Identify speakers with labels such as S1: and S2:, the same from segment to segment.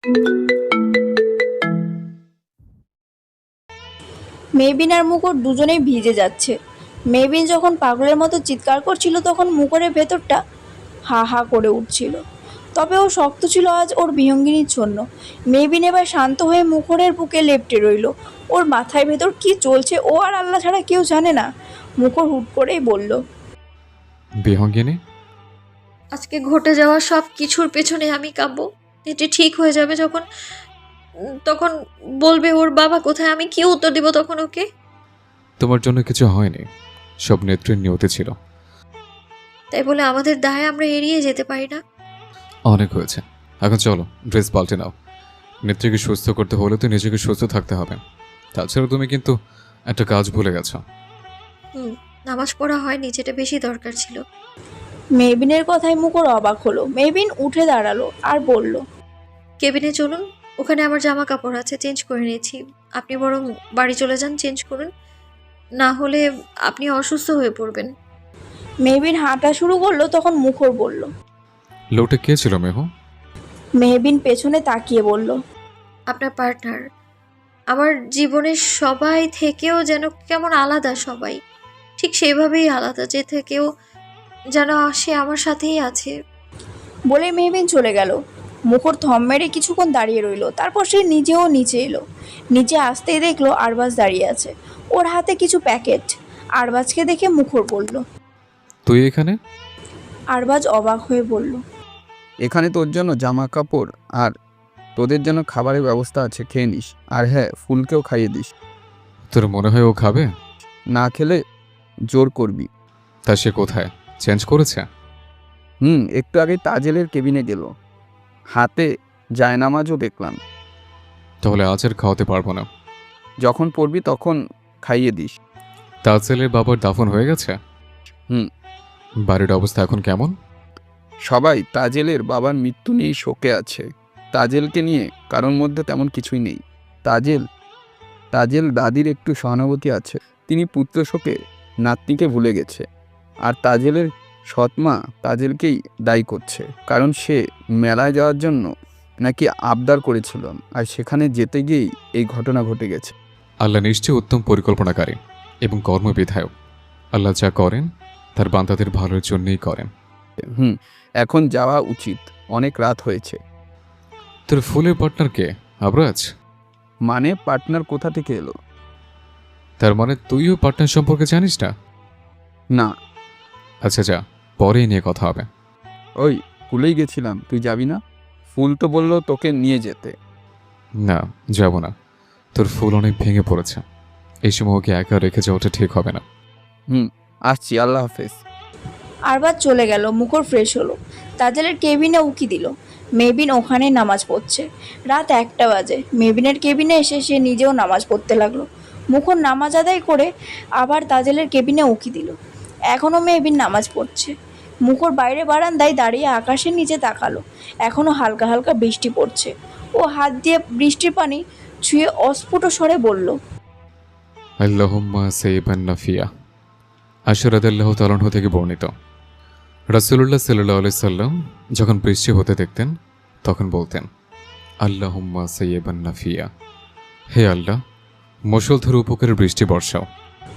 S1: মেহবিন আর মুখর দুজনেই ভিজে যাচ্ছে। মেহবিন যখন পাগলের মতো চিৎকার করছিল তখন মুখরের ভেতরটা হা হা করে উঠছিল। তবে ও শক্ত ছিল আজ ওর বিহঙ্গিনীর জন্য। মেহবিন এবার শান্ত হয়ে মুখরের বুকে লেপ্টে রইল। ওর মাথায় ভেতর কি চলছে ও আর আল্লাহ ছাড়া কেউ জানে না। মুখর হুট করেই বলল,
S2: বিহঙ্গিনী,
S3: আজকে ঘটে যাওয়া সব কিছুর পেছনে আমি কাঁদবো। এটি ঠিক হয়ে যাবে যখন, তখন বলবে ওর বাবা কোথায়, আমি কি উত্তর দিব তখন ওকে?
S2: তোমার জন্য কিছু হয়নি, সব নেত্রীর নিয়তি ছিল।
S3: তাই বলে আমাদের দায় আমরা এড়িয়ে যেতে পারি না।
S2: অনেক হয়েছে, এখন চলো ড্রেস পাল্টে নাও। নেত্রীকে সুস্থ করতে হলে তো নিজেকে সুস্থ থাকতে হবে। তাছাড়া তুমি কিন্তু একটা কাজ ভুলে গেছো।
S3: নামাজ পড়া হয়নি, যেটা বেশি দরকার ছিল।
S1: মেহবিনের কথায় মুখর অবাক হলো। মেহবিন উঠে দাঁড়ালো আর বলল,
S3: কেবিনে চলুন, ওখানে আমার জামা কাপড় আছে, চেঞ্জ করে নিয়েছি। আপনি বরং বাড়ি চলে যান, চেঞ্জ করুন, না হলে আপনি অসুস্থ হয়ে পড়বেন।
S1: মেহবিন হাঁটা শুরু করলো তখন মুখর বলল।
S2: লোকটা কে ছিল মেহু?
S1: মেহবিন পেছনে তাকিয়ে বলল,
S3: আপনার পার্টনার। আমার জীবনের সবাই থেকেও যেন কেমন আলাদা সবাই, ঠিক সেইভাবেই আলাদা, যে থেকেও যেন সে আমার সাথেই আছে।
S1: বলে মেহবিন চলে গেল। মুখর থম মেরে কিছুক্ষণ দাঁড়িয়ে রইল। তারপর সে নিজেও নিচে এলো। নিচে আসতেই দেখলো আরবাজ দাঁড়িয়ে আছে, ওর হাতে কিছু প্যাকেট। আরবাজকে দেখে মুখর বলল।
S2: তুই এখানে?
S1: আরবাজ অবাক হয়ে বলল,
S4: এখানে তোর জন্য জামা কাপড় আর তোদের জন্য খাবারের ব্যবস্থা আছে, খেয়ে নিস। আর হ্যাঁ, ফুলকেও খাইয়ে দিস।
S2: তোর মনে হয় ও খাবে?
S4: না খেলে জোর করবি।
S2: তা সে কোথায়? চেঞ্জ করেছে?
S4: একটু আগে তাজেলের কেবিনে গেল, হাতে জায়নামাজও দেখলাম।
S2: তাহলে আজ আর খাওয়াতে পারবো না।
S4: যখন পড়বি তখন খাইয়ে দিস।
S2: তাজেলের বাবার দাফন হয়ে গেছে?
S4: হুম।
S2: বাড়ির অবস্থা এখন কেমন?
S4: সবাই তাজেলের বাবার মৃত্যু নিয়েই শোকে আছে। তাজেলকে নিয়ে কারোর মধ্যে তেমন কিছুই নেই। তাজেল দাদির একটু সহানুভূতি আছে। তিনি পুত্র শোকে নাতনিকে ভুলে গেছে। আর তাজেলের সৎমা তাজেলকেই দায়ী করছে, কারণ সে মেলায় যাওয়ার জন্য নাকি আবদার করেছিল, আর সেখানে যেতে গিয়েই এই ঘটনা ঘটে গেছে।
S2: আল্লাহ নিশ্চয়ই উত্তম পরিকল্পনাকারী এবং কর্মবিধায়ক। আল্লাহ যা করেন তার বান্দাদের ভালোর জন্যই করেন।
S4: এখন যাওয়া উচিত, অনেক রাত হয়েছে।
S2: তোর ফুলের পার্টনার কে? আবরাজ?
S4: মানে পার্টনার কোথা থেকে এলো?
S2: তার মানে তুইও পার্টনার সম্পর্কে জানিস না?
S4: না।
S2: আচ্ছা যা, পরে নিয়ে কথা হবে।
S4: ওই ভুলেই গেছিলাম, তুই যাবি না? ফুল তো বললো তোকে নিয়ে যেতে।
S2: না, যাব না। তোর ফুল অনেক ভেঙে পড়েছে, এই সময় ওকে একা রেখে যাওয়াটা ঠিক হবে না।
S4: আসছি, আল্লাহ হাফেজ।
S1: আরবাজ চলে গেল। মুখর ফ্রেশ হলো, তাজেলের কেবিনে উকি দিল। মেহবিন ওখানে নামাজ পড়ছে। রাত 1টা বাজে। মেহবিনের কেবিনে এসে সে নিজেও নামাজ পড়তে লাগলো। মুখর নামাজ আদায় করে আবার তাজেলের কেবিনে উকি দিল। এখনও মেহবিন নামাজ পড়ছে। মুখর বাইরে বারান্দায় দাঁড়িয়ে আকাশের নিচে তাকালো। এখনও হালকা হালকা বৃষ্টি পড়ছে। ও হাত দিয়ে বৃষ্টির পানি ছুঁয়ে অস্ফুট স্বরে বলল,
S2: আল্লাহুম্মা সাইয়্যিবান নাফিয়া। আশর রাদিয়াল্লাহু তাআলা আনহু থেকে বর্ণিত, রাসূলুল্লাহ সাল্লাল্লাহু আলাইহি সাল্লাম যখন বৃষ্টি হতে দেখতেন তখন বলতেন, আল্লাহুম্মা সাইয়্যিবান নাফিয়া। হে আল্লাহ, মুষলধারে উপকারের বৃষ্টি বর্ষাও।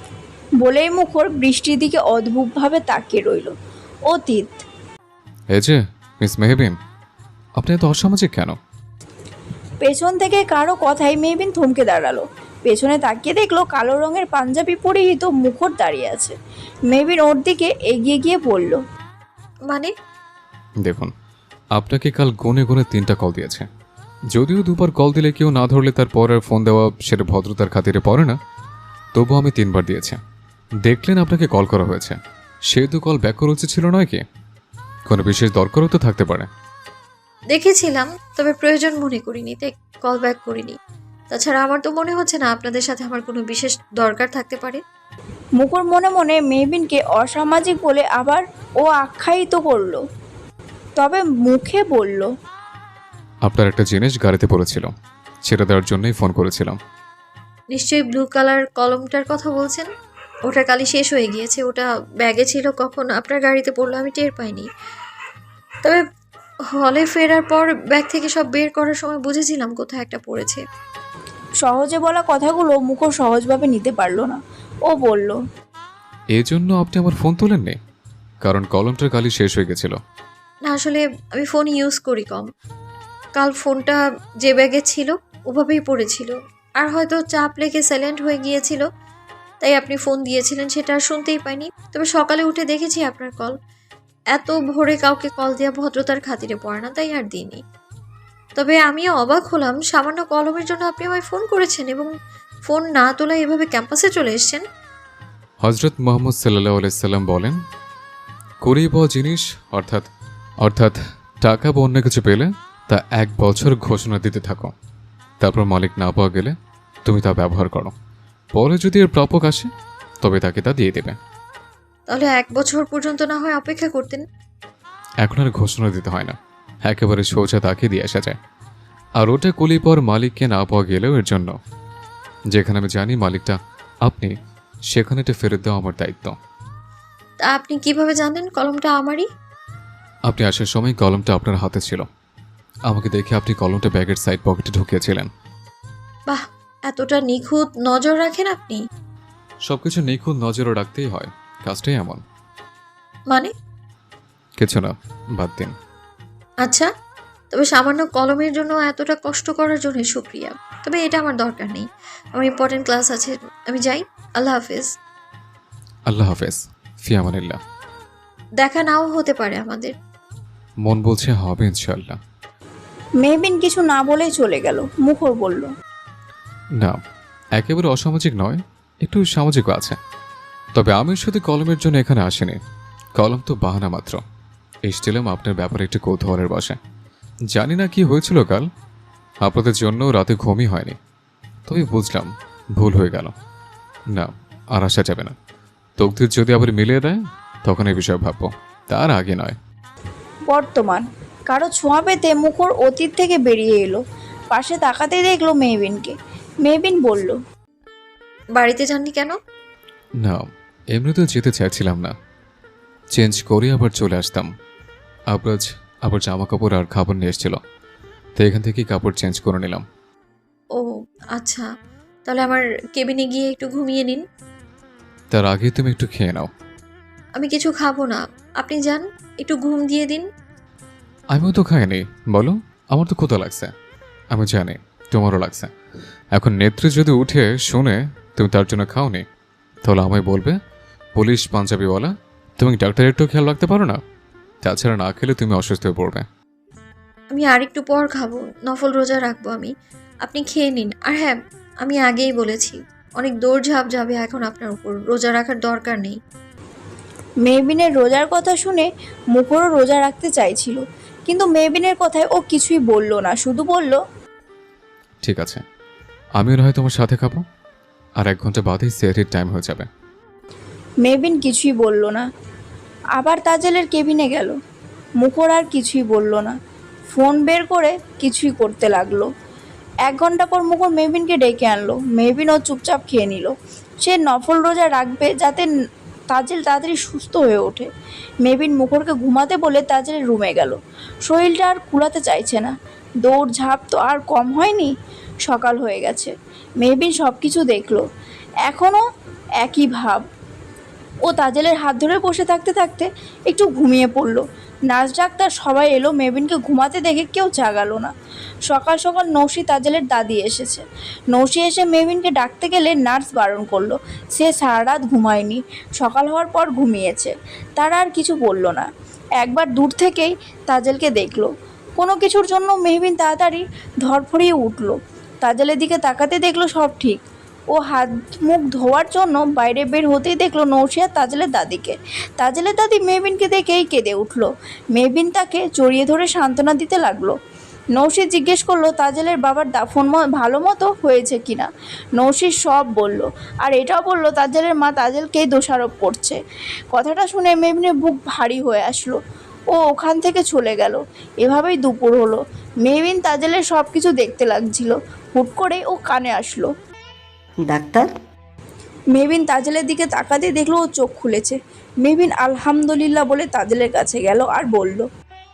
S1: বলেই মুখর বৃষ্টির দিকে অদ্ভুতভাবে তাকিয়ে রইল। অতীত।
S2: এই যে মিস মেহবিন, আপনি এত অসামাজিক কেন?
S1: পেছন থেকে কারো কথায় মেহবিন থমকে দাঁড়ালো। পেছনে তাকিয়ে দেখলো কালো রঙের পাঞ্জাবি পরিহিত মুখর দাঁড়িয়ে আছে। মেহবিন ওর দিকে এগিয়ে গিয়ে বলল,
S3: মানে?
S2: দেখুন, আপনাকে কাল গুনে গুনে 3টা কল দিয়েছে। যদিও 2বার কল দিলে কেউ না ধরলে তার পর আর ফোন দেওয়া সেটা ভদ্রতার খাতিরে পড়ে না, তবু আমি 3বার দিয়েছি। দেখলেন আপনাকে কল করা হয়েছে, সেহেতু কল ব্যাক করা উচিত ছিল নয় কি? কোনো বিশেষ দরকারও তো থাকতে পারে।
S3: দেখেছিলাম, তবে প্রয়োজন মনে করিনি, তাই কল ব্যাক করিনি। তাছাড়া আমার তো মনে হচ্ছে না আপনাদের সাথে আমার কোনো বিশেষ দরকার থাকতে পারে।
S1: মুখর মনে মনে মেহবিনকে অসামাজিক বলে আবার ও আখ্যায়িত করলো, তবে মুখে বলল,
S2: আপনার একটা জিনিস গাড়িতে পড়েছিল, সেটা দেওয়ার জন্যই ফোন করেছিলাম।
S3: নিশ্চয়ই ব্লু কালার কলমটার কথা বলছেন। ওটা কালি শেষ হয়ে গিয়েছে, ওটা ব্যাগে ছিল, কখন আপনার গাড়িতে পড়লো আমি টের পাইনি। তবে হলে ফেরার পর ব্যাগ থেকে সব বের করার সময় বুঝেছিলাম কোথায় একটা পড়েছে।
S1: সহজে বলা কথাগুলো মুখর সহজভাবে নিতে পারলো না। ও বলল,
S2: এই জন্য আপনি আমার ফোন তোলেননি? কারণ কলমটার কালি শেষ হয়ে গেছিল।
S3: না, আসলে আমি ফোন ইউজ করি কম। কাল ফোনটা যে ব্যাগে ছিল ওভাবেই পড়েছিল, আর হয়তো চাপ লেগে সাইলেন্ট হয়ে গিয়েছিল, তাই আপনি ফোন দিয়েছিলেন সেটা আর শুনতেই পাইনি। তবে সকালে উঠে দেখেছি আপনার কল। এত ভোরে কাউকে কল দেওয়া ভদ্রতার খাতিরে পড়ে না, তাই আর দিইনি। তবে আমিও অবাক হলাম, সামান্য কলমের জন্য আপনি আমায় ফোন করেছেন এবং ফোন না তোলায় এভাবে ক্যাম্পাসে চলে এসেছেন।
S2: হজরত মোহাম্মদ সাল্লাহ আলাইসাল্লাম বলেন, করিয়ে পাওয়া জিনিস অর্থাৎ অর্থাৎ টাকা বা অন্য কিছু পেলে তা 1 বছর ঘোষণা দিতে থাকো। তারপর মালিক না পাওয়া গেলে তুমি তা ব্যবহার করো। পরে যদি এর প্রাপক আসে তবে তাকে তা দিয়ে দেবে।
S3: তাহলে 1 বছর পর্যন্ত না হয় অপেক্ষা করতেন।
S2: এখন আর ঘোষণা দিতে হয় না, একেবারে সোজা তাকে দিয়ে আসা যায়। আর ওটা কুলি পর মালিককে না পাওয়া গেলেও এর জন্য, যেখানে আমি জানি মালিকটা আপনি, সেখানে এটা ফেরত দেওয়া আমার দায়িত্ব।
S3: তা আপনি কিভাবে জানেন কলমটা আমারই?
S2: আপনি আসার সময় কলমটা আপনার হাতে ছিল। আমাকে দেখে আপনি কলমটা ব্যাগের সাইড পকেটে ঢুকিয়েছিলেন।
S3: বাহ, এতটা নিখুঁত নজর রাখেন আপনি।
S2: সবকিছু নিখুঁত নজরে রাখতেই হয়, কাজটাই এমন।
S3: মানে?
S2: কিছু না, বাদ দিন।
S3: আচ্ছা, তবে সামান্য কলমের জন্য এতটা কষ্ট করার জন্য শুক্রিয়া। তবে এটা আমার দরকার নেই, আমার ইম্পর্টেন্ট ক্লাস আছে, আমি যাই। আল্লাহ হাফেজ।
S2: আল্লাহ হাফেজ, ফি আমানিল্লাহ।
S3: দেখা নাও হতে পারে আমাদের।
S2: মন বলছে হবে ইনশাল্লাহ।
S1: মেহবিন কিছু না বলেই চলে গেল। মুখর বলল,
S2: না, একেবারে অসামাজিক নয়, একটু সামাজিকও আছে। তবে আমি শুধু কলমের জন্য এখানে আসিনি। কলম তো বাহানা মাত্র। এসেছিলাম আপনার ব্যাপারে একটু কৌতূহলের বসে। জানি না কি হয়েছিল কাল, আপনাদের জন্য রাতে ঘুমই হয়নি। তবে বুঝলাম ভুল হয়ে গেল। না, আর আসা যাবে না। তকদির যদি আবার মিলিয়ে দেয় তখন এই বিষয়ে ভাববো, তার আগে নয়।
S1: বর্তমান কারো ছোঁয়া পেতে মুখর অতীত থেকে বেরিয়ে এলো। পাশে তাকাতেই দেখলো মেহবিনকে। মেহবিন বলল,
S3: বাড়িতে যাননি কেন?
S2: না, এমনিতেও যেতে চাইছিলাম না। চেঞ্জ করে আবার চলে আসতাম। আবরাজ আবার জামা কাপড় আর খাবার নিয়ে এসেছিল, তো এখান থেকেই কাপড় চেঞ্জ করে নিলাম।
S3: ও আচ্ছা, তাহলে আমার কেবিনে গিয়ে একটু ঘুমিয়ে নিন।
S2: তার আগে তুমি একটু খেয়ে নাও।
S3: আমি কিছু খাবো না, আপনি যান, একটু ঘুম দিয়ে দিন।
S2: আমিও তো খাইনি। বলো, আমার তো ক্ষুধা লাগছে। আমি জানি তোমারও লাগছে। এখন নেত্রী যদি উঠে শুনে তুমি তার জন্য খাওনি, তাহলে আমায় বলবে পুলিশ পাঞ্জাবিওয়ালা, তুমি ডাক্তারের একটু খেয়াল রাখতে পারো না? তাছাড়া না খেলে তুমি অসুস্থ হয়ে পড়বে।
S3: আমি আর একটু পর খাবো, নফল রোজা রাখবো আমি। আপনি খেয়ে নিন। আর হ্যাঁ, আমি আগেই বলেছি, অনেক দৌড়ঝাঁপ যাবে এখন আপনার উপর, রোজা রাখার দরকার নেই।
S1: মেহবিনের রোজার কথা শুনে মুখরও রোজা রাখতে চাইছিল, কিন্তু মেহবিনের কথায় ও কিছুই বলল না, শুধু বলল,
S2: ঠিক আছে, আমিও না হয় তোমার সাথে খাবো। আর 1 ঘন্টা বাদেই সেহরির টাইম হয়ে যাবে।
S1: মেহবিন কিছুই বলল না। আবার তাজেলের কেবিনে গেল। মুখর আর কিছুই বলল না, ফোন বের করে কিছুই করতে লাগলো। 1 ঘন্টা পর মুখর মেহবিনকে ডেকে আনলো। মেহবিনও চুপচাপ খেয়ে নিল। সে নফল রোজা রাখবে যাতে তাজেল তাড়াতাড়ি সুস্থ হয়ে ওঠে। মেহবিন মুখরকে ঘুমাতে বলে তাজেলের রুমে গেল। শরীরটা আর কুলাতে চাইছে না। দৌড় ঝাঁপ তো আর কম হয়নি। সকাল হয়ে গেছে। মেহবিন সব কিছু দেখলো, এখনও একই ভাব। ও তাজেলের হাত ধরে বসে থাকতে থাকতে একটু ঘুমিয়ে পড়ল। নার্স ডাক্তার সবাই এলো, মেহবিনকে ঘুমাতে দেখে কেউ জাগালো না। সকাল সকাল নৌশি তাজেলের দাদি এসেছে। নৌশি এসে মেহবিনকে ডাকতে গেলে নার্স বারণ করলো। সে সারা রাত ঘুমায়নি, সকাল হওয়ার পর ঘুমিয়েছে। তারা আর কিছু বলল না। একবার দূর থেকেই তাজেলকে দেখলো। কোনো কিছুর জন্য মেহবিন তাড়াতাড়ি ধরফড়িয়ে উঠল। তাজেলের দিকে তাকাতে দেখলো সব ঠিক। ও হাত মুখ ধোয়ার জন্য বাইরে বের হতেই দেখলো নৌশি আর তাজেলের দাদিকে। তাজেলের দাদি মেহবিনকে দেখেই কেঁদে উঠলো। মেহবিন তাকে জড়িয়ে ধরে সান্ত্বনা দিতে লাগলো। নৌশি জিজ্ঞেস করলো তাজেলের বাবার দাফন ভালো মতো হয়েছে কিনা। নৌশি সব বলল, আর এটাও বললো তাজেলের মা তাজেলকেই দোষারোপ করছে। কথাটা শুনে মেহবিনের বুক ভারী হয়ে আসলো। ও ওখান থেকে চলে গেল। এভাবেই দুপুর হলো। মেহবিন তাজেলের সব কিছু দেখতে লাগছিল। হুট করে ও কানে আসলো।
S5: ডাক্তার,
S1: মেহবিন তাজেলের দিকে তাকাতে দেখলো ও চোখ খুলেছে। মেহবিন আলহামদুলিল্লাহ বলে তাজেলের কাছে গেল আর বলল,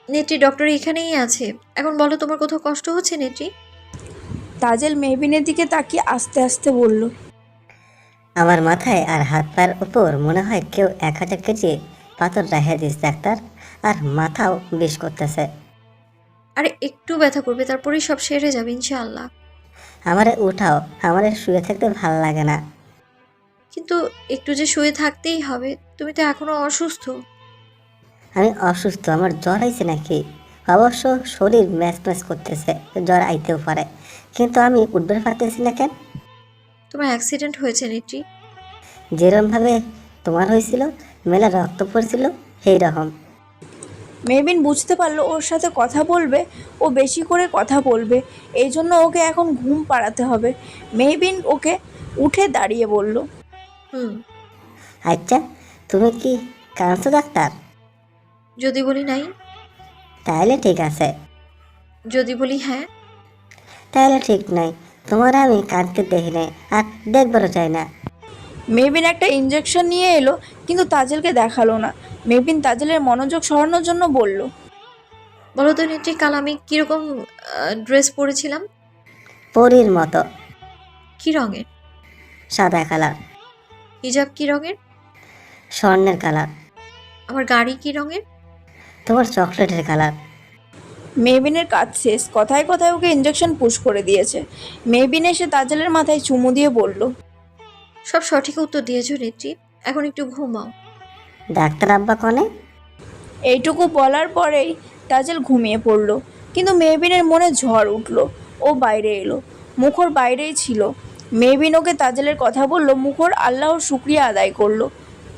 S3: নেত্রী ডক্টর এখানেই আছে। এখন বলো তোমার কোথাও কষ্ট হচ্ছে নেত্রী?
S1: তাজেল মেহবিনের দিকে তাকিয়ে আস্তে আস্তে বলল,
S5: আমার মাথায় আর হাত পায়ের উপর মনে হয় কেউ 1000 কেজি পাথর রেখে দিস ডাক্তার, আর মাথাও বিষ করতেছে।
S3: আরে একটু ব্যথা করবে, তারপরেই সব সেরে যাবে ইনশাআল্লাহ।
S5: আমারে উঠাও, আমারে শুয়ে থাকতে ভাল লাগে না।
S3: কিন্তু একটু যে শুয়ে থাকতেই হবে, তুমি তো এখনো অসুস্থ।
S5: আমি অসুস্থ, আমার জ্বর আইছে নাকি? অবশ্য শরীর ম্যাচ ম্যাচ করতেছে, জ্বর আইতেও পারে, কিন্তু আমি উঠতে পারতেছি না কেন?
S3: তোমার অ্যাক্সিডেন্ট হয়েছে নেত্রী।
S5: যেরমভাবে তোমার হয়েছিল, মেলা রক্ত পড়ছিল, সেই রকম।
S1: মেহবিন বুঝতে পারলো ওর সাথে কথা বলবে, ও বেশি করে কথা বলবে, এই জন্য ওকে এখন ঘুম পাড়াতে হবে। মেহবিন ওকে উঠে দাঁড়িয়ে বলল,
S3: হুম।
S5: আচ্ছা, তুমি কি কাঁদছো ডাক্তার?
S3: যদি বলি নাই?
S5: তাহলে ঠিক আছে।
S3: যদি বলি হ্যাঁ?
S5: তাহলে ঠিক নাই। তোমার আমি কাঁদতে দেখি নাই, আর দেখবারও চাই না।
S1: মেহবিন একটা ইঞ্জেকশন নিয়ে এলো, কিন্তু তাজেলকে দেখালো না। মেহবিন তাজেলের মনোযোগ সরানোর জন্য বলল,
S3: বলো তো নেত্রী, কাল আমি কিরকম ড্রেস পরেছিলাম?
S5: পরীর মতো।
S3: কি রঙের?
S5: সাদা কালার।
S3: হিজাব কি রঙের?
S5: স্বর্ণের কালার।
S3: আমার গাড়ি কি রঙের?
S5: তোমার চকলেটের কালার।
S1: মেহবিনের কাজ শেষ, কথায় কথায় ওকে ইঞ্জেকশন পুশ করে দিয়েছে। মেহবিন এসে তাজেলের মাথায় চুমু দিয়ে বলল,
S3: সব সঠিক উত্তর দিয়েছো নেত্রী, এখন একটু ঘুমাও।
S5: ডাক্তার আব্বা কনে?
S1: এইটুকু বলার পরেই তাজেল ঘুমিয়ে পড়ল। কিন্তু মেহবিনের মনে ঝড় উঠল। ও বাইরে এলো। মুখর বাইরেই ছিল। মেহবিন ওকে তাজেলের কথা বলল, মুখর আল্লাহর শুক্রিয়া আদায় করলো।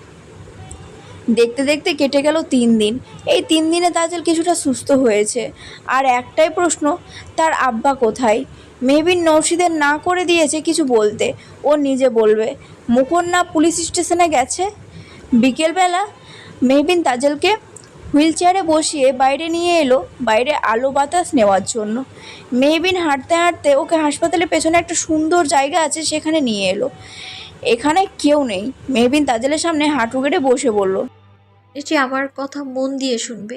S1: দেখতে দেখতে কেটে গেল 3 দিন। এই 3 দিনে তাজেল কিছুটা সুস্থ হয়েছে। আর একটাই প্রশ্ন, তার আব্বা কোথায়? মেহবিন নৌশিদের না করে দিয়েছে কিছু বলতে, ও নিজে বলবে। মুখর না পুলিশ স্টেশনে গেছে। বিকেলবেলা মেহবিন তাজেলকে হুইল চেয়ারে বসিয়ে বাইরে নিয়ে এলো, বাইরে আলো বাতাস নেওয়ার জন্য। মেহবিন হাঁটতে হাঁটতে ওকে হাসপাতালের পেছনে একটা সুন্দর জায়গা আছে সেখানে নিয়ে এলো। এখানে কেউ নেই। মেহবিন তাজেলের সামনে হাঁটু গেড়ে বসে বলল,
S3: নেত্রী আমার কথা মন দিয়ে শুনবে।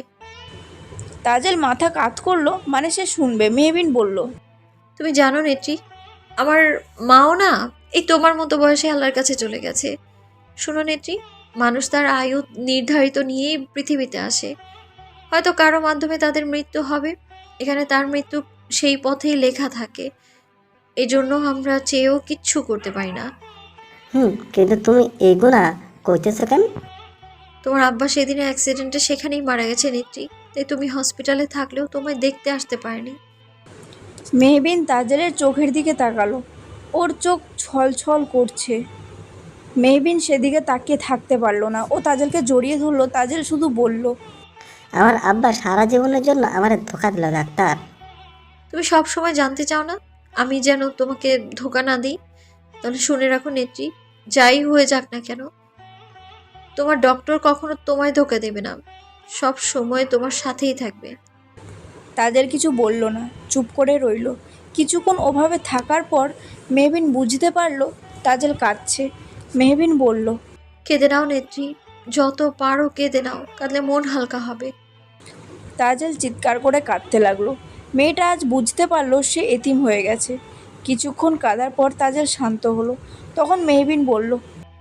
S1: তাজেল মাথা কাত করলো, মানে সে শুনবে। মেহবিন বলল,
S3: তুমি জানো নেত্রী, আমার মাও না এই তোমার মতো বয়সে আল্লাহর কাছে চলে গেছে। শোনো নেত্রী, মানুষ তার আয়ু নির্ধারিত নিয়েই পৃথিবীতে আসে। হয়তো কারো মাধ্যমে তাদের মৃত্যু হবে, এখানে তার মৃত্যু সেই পথেই লেখা থাকে। এই জন্য আমরা চেয়েও কিচ্ছু করতে পারি না।
S5: কিন্তু তুমি এইগুলা কইতেছো কেন?
S3: তোমার আব্বা সেদিনের অ্যাক্সিডেন্টে সেখানেই মারা গেছে নেত্রী, তাই তুমি হসপিটালে থাকলেও তোমায় দেখতে আসতে পারেনি।
S1: মেহবিন তাজেলের চোখের দিকে তাকালো। ওর চোখ ছলছল করছে। মেহবিন সেদিকে তাকিয়ে থাকতে পারলো না। ও তাজেলকে জড়িয়ে ধরলো। তাজেল শুধু বলল,
S5: আমার আব্বা সারা জীবনের জন্য আমার ধোকা দিল ডাক্তার।
S3: তুমি সব সময় জানতে চাও না আমি যেন তোমাকে ধোকা না দিই? তাহলে শুনে রাখো নেত্রী, যাই হয়ে যাক না কেন, তোমার ডক্টর কখনো তোমায় ধোকা দেবে না, সব সময় তোমার সাথেই থাকবে।
S1: তাজেল কিছু বলল না, চুপ করে রইল। কিছুক্ষণ ওভাবে থাকার পর মেহবিন বুঝতে পারলো তাজেল কাঁদছে। মেহবিন বলল,
S3: কেঁদে নাও নেত্রী, যত পারো কেঁদে নাও, কাঁদলে মন হালকা হবে।
S1: তাজেল চিৎকার করে কাঁদতে লাগলো। মেয়েটা আজ বুঝতে পারলো সে এতিম হয়ে গেছে। কিছুক্ষণ কাঁদার পর তাজেল শান্ত হলো। তখন মেহবিন বলল,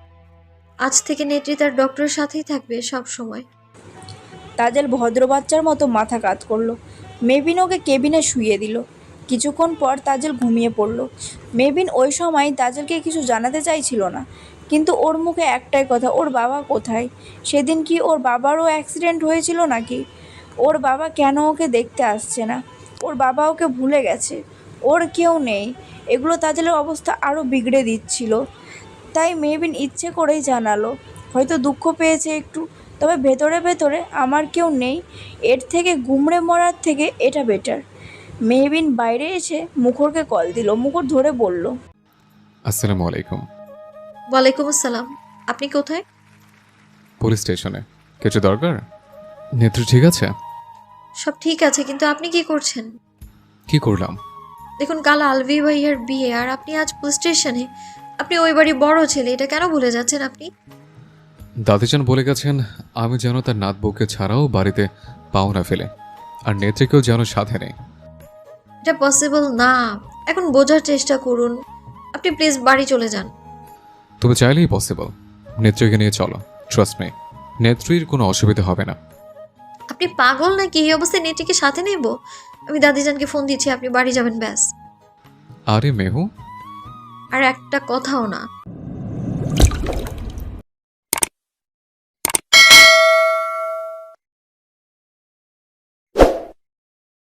S3: আজ থেকে নেত্রী তার ডক্টরের সাথেই থাকবে সব সময়।
S1: তাজেল ভদ্র বাচ্চার মতো মাথা কাত করলো। মেহবিন ওকে কেবিনে শুইয়ে দিল। কিছুক্ষণ পর তাজেল ঘুমিয়ে পড়ল। মেহবিন ওই সময় তাজেলকে কিছু জানাতে চাইছিল না, কিন্তু ওর মুখে একটাই কথা, ওর বাবা কোথায়? সেদিন কি ওর বাবারও অ্যাক্সিডেন্ট হয়েছিল নাকি? ওর বাবা কেন ওকে দেখতে আসছে না? ওর বাবা ওকে ভুলে গেছে, ওর কেউ নেই। এগুলো তাজেলের অবস্থা আরও বিগড়ে দিচ্ছিল। তাই মেহবিন ইচ্ছে করেই জানালো, হয়তো দুঃখ পেয়েছে একটু, তবে ভেতরে ভেতরে আমার কেউ নেই, এর থেকে গুমড়ে মরার থেকে এটা বেটার। মেহবিন বাইরে এসে মুখরকে কল দিল। মুখর ধরে বলল,
S2: আসসালামু আলাইকুম।
S3: ওয়ালাইকুম আসসালাম। আপনি কোথায়?
S2: পুলিশ স্টেশনে। কিছু দরকার? নেত্রী ঠিক আছে?
S3: সব ঠিক আছে, কিন্তু আপনি কি করছেন?
S2: কি করলাম?
S3: দেখুন, কাল আলভি ভাইয়ার বিয়ে, আর আপনি আজ পুলিশ স্টেশনে। আপনি ওই বাড়ি বড় ছেলে, এটা কেন ভুলে যাচ্ছেন আপনি?
S2: দাদিজান বলে গেছেন আমি যেন তার নাত বউকে ছাড়াও বাড়িতে পাও না ফেলে। আর নেত্রীকেও যেন সাথে নেই।
S3: এটা পসিবল না। এখন বোঝার চেষ্টা করুন। আপনি প্লিজ বাড়ি চলে যান।
S2: তুমি চাইলেই পসিবল। নেত্রীকে নিয়ে চলো, ট্রাস্ট মি, নেত্রীর কোনো অসুবিধা হবে না।
S3: আপনি পাগল নাকি? এই অবস্থায় নেটিকে সাথে নেব? আমি দাদিজানকে ফোন দিচ্ছি, আপনি বাড়ি যাবেন ব্যাস।
S2: আরে মেহু,
S3: আর একটা কথাও না।